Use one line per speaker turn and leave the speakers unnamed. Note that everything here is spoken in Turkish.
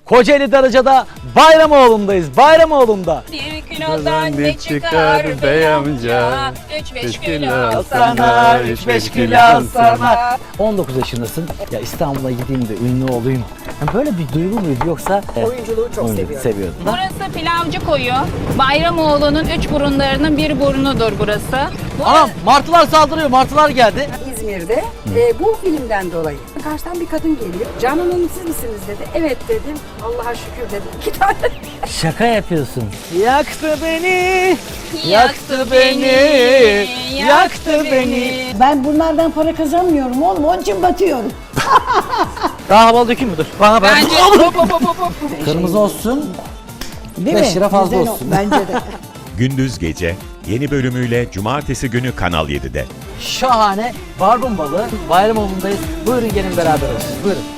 Kocaeli Darıca'da Bayramoğlu'ndayız. Bayramoğlu'nda.
Bir kilodan ne çıkar bey amca? 3-5 kilo
Sana 3-5 kilo sana. 19 yaşındasın. Ya İstanbul'a gideyim de ünlü olayım. Yani böyle bir duygu muydu yoksa?
Oyunculuğu çok seviyorum.
Burası Pilavcı Koyu. Bayramoğlu'nun 3 burunlarının bir burnudur burası.
Anam martılar saldırıyor. Martılar geldi.
İzmir'de bu filmden dolayı. Karşıdan bir kadın geliyor. Canan Hanım siz misiniz dedi. Evet dedim. Allah'a şükür dedim. 2 tane.
Şaka yapıyorsun. Yaktı beni.
Yaktı beni,
Yaktı beni.
Ben bunlardan para kazanmıyorum oğlum, onun için batıyorum.
Daha havalı dökeyim mi? Dur. Bana ben.
Bence hop hop hop hop.
Kırmızı olsun.
Değil
5
mi?
lira fazla
Güzel o,
olsun.
Bence de.
Gündüz Gece yeni bölümüyle Cumartesi günü Kanal 7'de.
Şahane barbun balığı. Bayramoğlu'ndayız. Buyurun gelin beraber olsun. Buyurun.